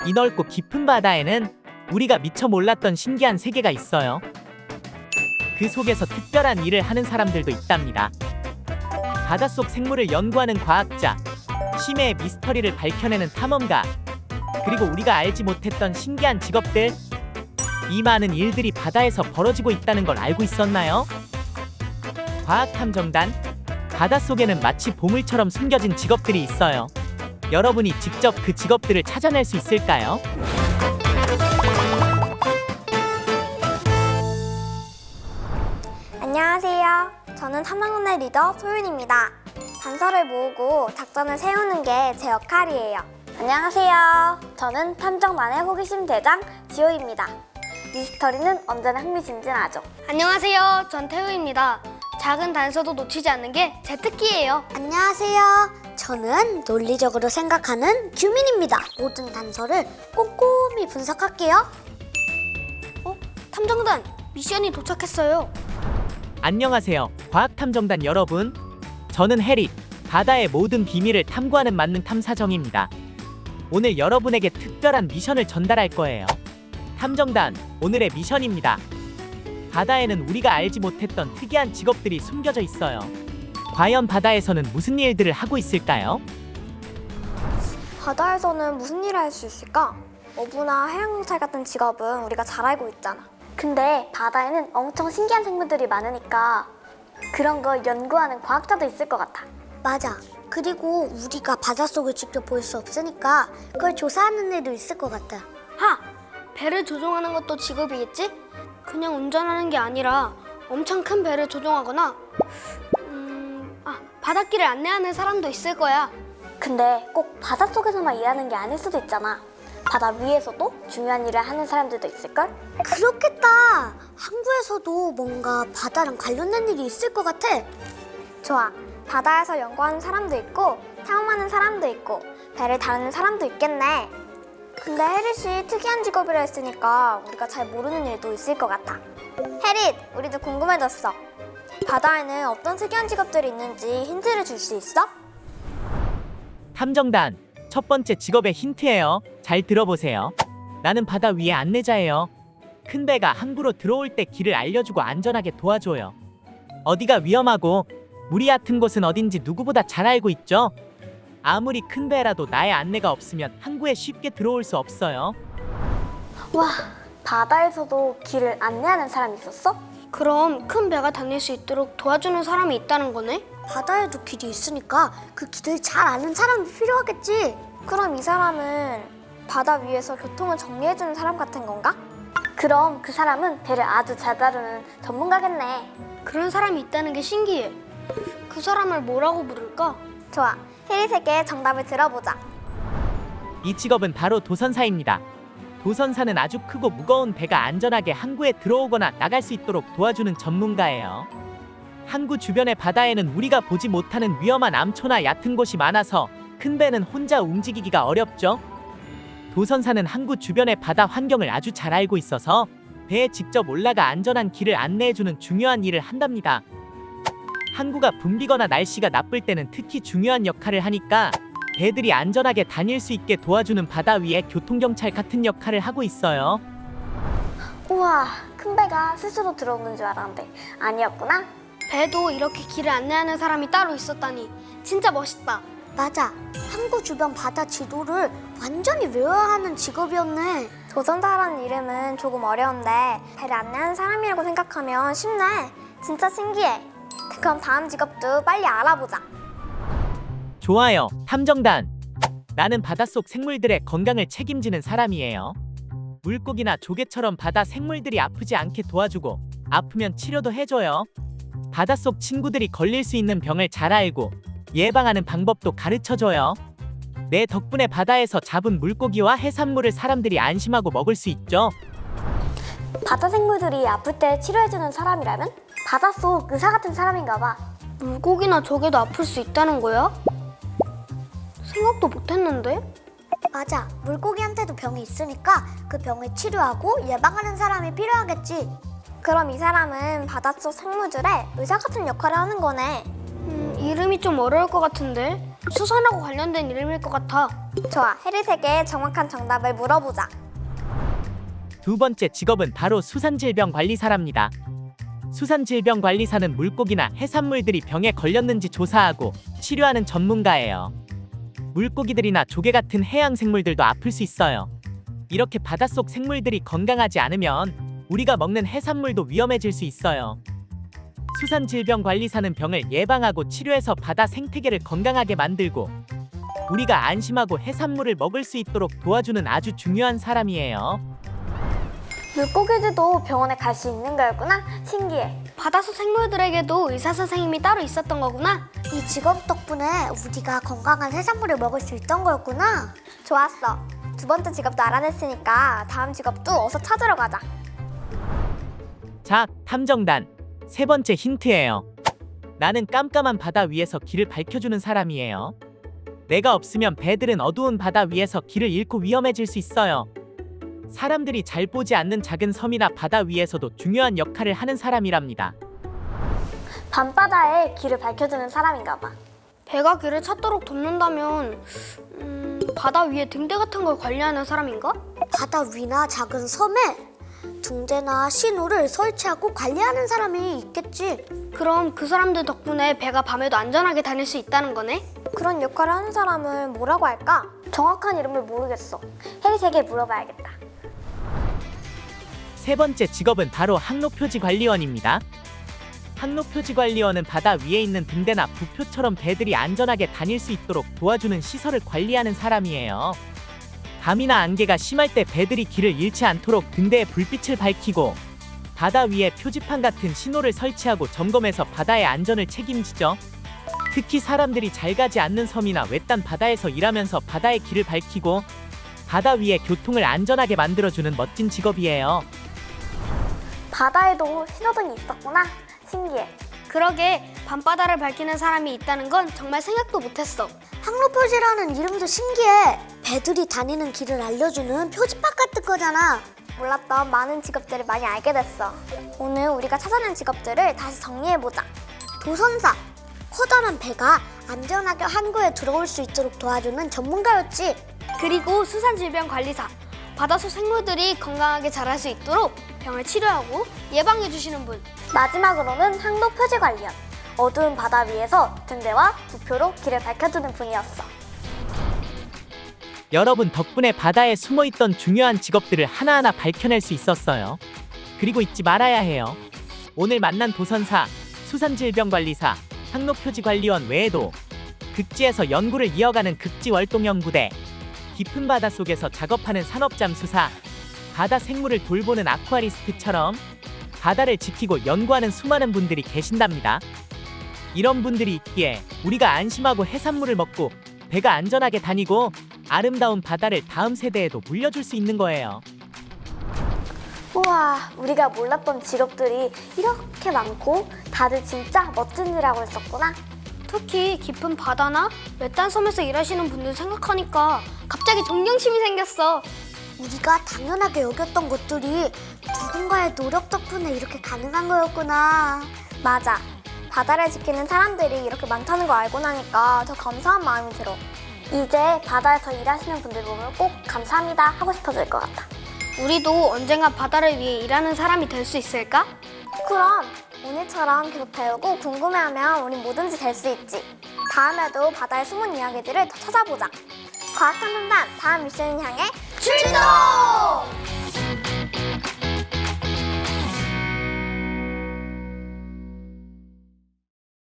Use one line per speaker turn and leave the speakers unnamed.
이 넓고 깊은 바다에는 우리가 미처 몰랐던 신기한 세계가 있어요. 그 속에서 특별한 일을 하는 사람들도 있답니다. 바닷속 생물을 연구하는 과학자, 심해의 미스터리를 밝혀내는 탐험가, 그리고 우리가 알지 못했던 신기한 직업들. 이 많은 일들이 바다에서 벌어지고 있다는 걸 알고 있었나요? 과학탐정단, 바닷속에는 마치 보물처럼 숨겨진 직업들이 있어요. 여러분이 직접 그 직업들을 찾아낼 수 있을까요?
안녕하세요. 저는 탐정단의 리더 소윤입니다. 단서를 모으고 작전을 세우는 게 제 역할이에요. 안녕하세요. 저는 탐정단의 호기심 대장 지호입니다. 미스터리는 언제나 흥미진진하죠.
안녕하세요. 전 태우입니다. 작은 단서도 놓치지 않는 게 제 특기예요.
안녕하세요. 저는 논리적으로 생각하는 규민입니다. 모든 단서를 꼼꼼히 분석할게요.
탐정단 미션이 도착했어요.
안녕하세요. 과학탐정단 여러분. 저는 해리, 바다의 모든 비밀을 탐구하는 만능 탐사정입니다. 오늘 여러분에게 특별한 미션을 전달할 거예요. 탐정단, 오늘의 미션입니다. 바다에는 우리가 알지 못했던 특이한 직업들이 숨겨져 있어요. 과연 바다에서는 무슨 일들을 하고 있을까요?
바다에서는 무슨 일을 할 수 있을까? 어부나 해양경찰 같은 직업은 우리가 잘 알고 있잖아. 근데 바다에는 엄청 신기한 생물들이 많으니까 그런 걸 연구하는 과학자도 있을 것 같아. 맞아. 그리고 우리가 바닷속을 직접 볼 수 없으니까 그걸 조사하는 일도 있을 것 같아.
배를 조종하는 것도 직업이겠지? 그냥 운전하는 게 아니라 엄청 큰 배를 조종하거나 바닷길을 안내하는 사람도 있을 거야.
근데 꼭 바닷속에서만 일하는 게 아닐 수도 있잖아. 바다 위에서도 중요한 일을 하는 사람들도 있을걸? 그렇겠다. 항구에서도 뭔가 바다랑 관련된 일이 있을 것 같아. 좋아. 바다에서 연구하는 사람도 있고 탐험하는 사람도 있고 배를 다루는 사람도 있겠네. 근데 혜리 씨 특이한 직업이라 했으니까 우리가 잘 모르는 일도 있을 것 같아. 혜리, 우리도 궁금해졌어. 바다에는 어떤 특이한 직업들이 있는지 힌트를 줄 수 있어?
탐정단, 첫 번째 직업의 힌트예요. 잘 들어보세요. 나는 바다 위의 안내자예요. 큰 배가 항구로 들어올 때 길을 알려주고 안전하게 도와줘요. 어디가 위험하고 물이 얕은 곳은 어딘지 누구보다 잘 알고 있죠? 아무리 큰 배라도 나의 안내가 없으면 항구에 쉽게 들어올 수 없어요.
와, 바다에서도 길을 안내하는 사람이 있었어?
그럼 큰 배가 다닐 수 있도록 도와주는 사람이 있다는 거네?
바다에도 길이 있으니까 그 길을 잘 아는 사람이 필요하겠지. 그럼 이 사람은 바다 위에서 교통을 정리해주는 사람 같은 건가? 그럼 그 사람은 배를 아주 잘 다루는 전문가겠네.
그런 사람이 있다는 게 신기해. 그 사람을 뭐라고 부를까?
좋아, 혜리에게 정답을 들어보자.
이 직업은 바로 도선사입니다. 도선사는 아주 크고 무거운 배가 안전하게 항구에 들어오거나 나갈 수 있도록 도와주는 전문가예요. 항구 주변의 바다에는 우리가 보지 못하는 위험한 암초나 얕은 곳이 많아서 큰 배는 혼자 움직이기가 어렵죠. 도선사는 항구 주변의 바다 환경을 아주 잘 알고 있어서 배에 직접 올라가 안전한 길을 안내해주는 중요한 일을 한답니다. 항구가 붐비거나 날씨가 나쁠 때는 특히 중요한 역할을 하니까 배들이 안전하게 다닐 수 있게 도와주는 바다 위의 교통경찰 같은 역할을 하고 있어요.
우와, 큰 배가 스스로 들어오는 줄 알았는데 아니었구나.
배도 이렇게 길을 안내하는 사람이 따로 있었다니 진짜 멋있다.
맞아, 항구 주변 바다 지도를 완전히 외워야 하는 직업이었네. 도전사라는 이름은 조금 어려운데 배를 안내하는 사람이라고 생각하면 쉽네. 진짜 신기해. 그럼 다음 직업도 빨리 알아보자.
좋아요, 탐정단. 나는 바닷속 생물들의 건강을 책임지는 사람이에요. 물고기나 조개처럼 바다 생물들이 아프지 않게 도와주고 아프면 치료도 해줘요. 바닷속 친구들이 걸릴 수 있는 병을 잘 알고 예방하는 방법도 가르쳐줘요. 내 덕분에 바다에서 잡은 물고기와 해산물을 사람들이 안심하고 먹을 수 있죠.
바다 생물들이 아플 때 치료해주는 사람이라면 바닷속 의사 같은 사람인가 봐.
물고기나 조개도 아플 수 있다는 거야? 생각도 못했는데?
맞아, 물고기한테도 병이 있으니까 그 병을 치료하고 예방하는 사람이 필요하겠지. 그럼 이 사람은 바닷속 생물들의 의사 같은 역할을 하는 거네.
이름이 좀 어려울 것 같은데? 수산하고 관련된 이름일 것 같아.
좋아, 해리색의 정확한 정답을 물어보자.
두 번째 직업은 바로 수산질병관리사랍니다. 수산질병관리사는 물고기나 해산물들이 병에 걸렸는지 조사하고 치료하는 전문가예요. 물고기들이나 조개 같은 해양 생물들도 아플 수 있어요. 이렇게 바닷속 생물들이 건강하지 않으면 우리가 먹는 해산물도 위험해질 수 있어요. 수산질병관리사는 병을 예방하고 치료해서 바다 생태계를 건강하게 만들고 우리가 안심하고 해산물을 먹을 수 있도록 도와주는 아주 중요한 사람이에요.
물고기들도 병원에 갈 수 있는 거였구나. 신기해.
바다속 생물들에게도 의사 선생님이 따로 있었던 거구나.
이 직업 덕분에 우리가 건강한 해산물을 먹을 수 있던 거였구나. 좋았어. 두 번째 직업도 알아냈으니까 다음 직업도 어서 찾으러 가자.
자, 탐정단. 세 번째 힌트예요. 나는 깜깜한 바다 위에서 길을 밝혀주는 사람이에요. 내가 없으면 배들은 어두운 바다 위에서 길을 잃고 위험해질 수 있어요. 사람들이 잘 보지 않는 작은 섬이나 바다 위에서도 중요한 역할을 하는 사람이랍니다.
밤바다에 길을 밝혀주는 사람인가 봐.
배가 길을 찾도록 돕는다면 바다 위에 등대 같은 걸 관리하는 사람인가?
바다 위나 작은 섬에 둥대나 신호를 설치하고 관리하는 사람이 있겠지.
그럼 그 사람들 덕분에 배가 밤에도 안전하게 다닐 수 있다는 거네?
그런 역할을 하는 사람을 뭐라고 할까? 정확한 이름을 모르겠어. 해리색에 물어봐야겠다.
세 번째 직업은 바로 항로표지관리원입니다. 항로표지관리원은 바다 위에 있는 등대나 부표처럼 배들이 안전하게 다닐 수 있도록 도와주는 시설을 관리하는 사람이에요. 밤이나 안개가 심할 때 배들이 길을 잃지 않도록 등대에 불빛을 밝히고 바다 위에 표지판 같은 신호를 설치하고 점검해서 바다의 안전을 책임지죠. 특히 사람들이 잘 가지 않는 섬이나 외딴 바다에서 일하면서 바다의 길을 밝히고 바다 위에 교통을 안전하게 만들어주는 멋진 직업이에요.
바다에도 신호등이 있었구나. 신기해.
그러게 밤바다를 밝히는 사람이 있다는 건 정말 생각도 못했어.
항로표지라는 이름도 신기해. 배들이 다니는 길을 알려주는 표지판 같은 거잖아. 몰랐던 많은 직업들을 많이 알게 됐어. 오늘 우리가 찾아낸 직업들을 다시 정리해보자. 도선사, 커다란 배가 안전하게 항구에 들어올 수 있도록 도와주는 전문가였지.
그리고 수산질병관리사, 바다속 생물들이 건강하게 자랄 수 있도록 병을 치료하고 예방해 주시는 분.
마지막으로는 항로표지관리원. 어두운 바다 위에서 등대와 부표로 길을 밝혀주는 분이었어.
여러분 덕분에 바다에 숨어있던 중요한 직업들을 하나하나 밝혀낼 수 있었어요. 그리고 잊지 말아야 해요. 오늘 만난 도선사, 수산질병관리사, 항로표지관리원 외에도 극지에서 연구를 이어가는 극지월동연구대, 깊은 바다 속에서 작업하는 산업잠수사, 바다 생물을 돌보는 아쿠아리스트처럼 바다를 지키고 연구하는 수많은 분들이 계신답니다. 이런 분들이 있기에 우리가 안심하고 해산물을 먹고 배가 안전하게 다니고 아름다운 바다를 다음 세대에도 물려줄 수 있는 거예요.
우와, 우리가 몰랐던 직업들이 이렇게 많고 다들 진짜 멋진 일 하고 있었구나.
특히 깊은 바다나 외딴 섬에서 일하시는 분들 생각하니까 갑자기 존경심이 생겼어.
우리가 당연하게 여겼던 것들이 누군가의 노력 덕분에 이렇게 가능한 거였구나. 맞아. 바다를 지키는 사람들이 이렇게 많다는 거 알고 나니까 더 감사한 마음이 들어. 이제 바다에서 일하시는 분들 보면 꼭 감사합니다 하고 싶어질 것 같아.
우리도 언젠가 바다를 위해 일하는 사람이 될 수 있을까?
그럼 오늘처럼 계속 배우고 궁금해하면 우린 뭐든지 될 수 있지. 다음에도 바다의 숨은 이야기들을 더 찾아보자. 과학탐험단 다음 미션을 향해 출동!